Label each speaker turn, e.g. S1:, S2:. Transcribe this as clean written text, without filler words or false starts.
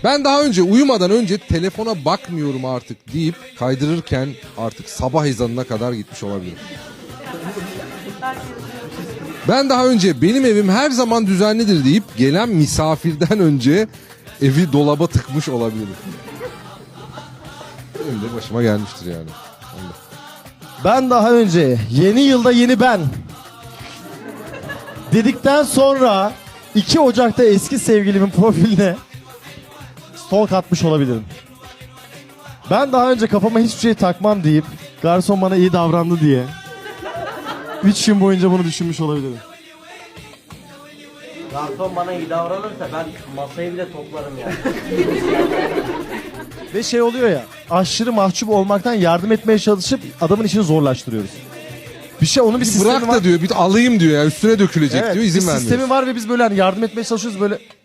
S1: Ben daha önce uyumadan önce telefona bakmıyorum artık deyip kaydırırken artık sabah ezanına kadar gitmiş olabilirim. Ben daha önce benim evim her zaman düzenlidir deyip gelen misafirden önce evi dolaba tıkmış olabilirim. Benim de başıma gelmiştir yani.
S2: Ben daha önce yeni yılda yeni ben dedikten sonra 2 Ocak'ta eski sevgilimin profiline stalk atmış olabilirim. Ben daha önce kafama hiçbir şey takmam deyip garson bana iyi davrandı diye 3 gün boyunca bunu düşünmüş olabilirim.
S3: Garson bana iyi davranırsa ben masayı bile toplarım yani.
S2: Ve şey oluyor ya, aşırı mahcup olmaktan yardım etmeye çalışıp adamın işini zorlaştırıyoruz. Bir şey onun bir sistemi
S1: Bırak
S2: var.
S1: da diyor bir de alayım diyor ya üstüne dökülecek
S2: Evet,
S1: diyor
S2: bir
S1: izin
S2: sistemi
S1: vermiyor.
S2: var ve biz böyle hani yardım etmeye çalışıyoruz böyle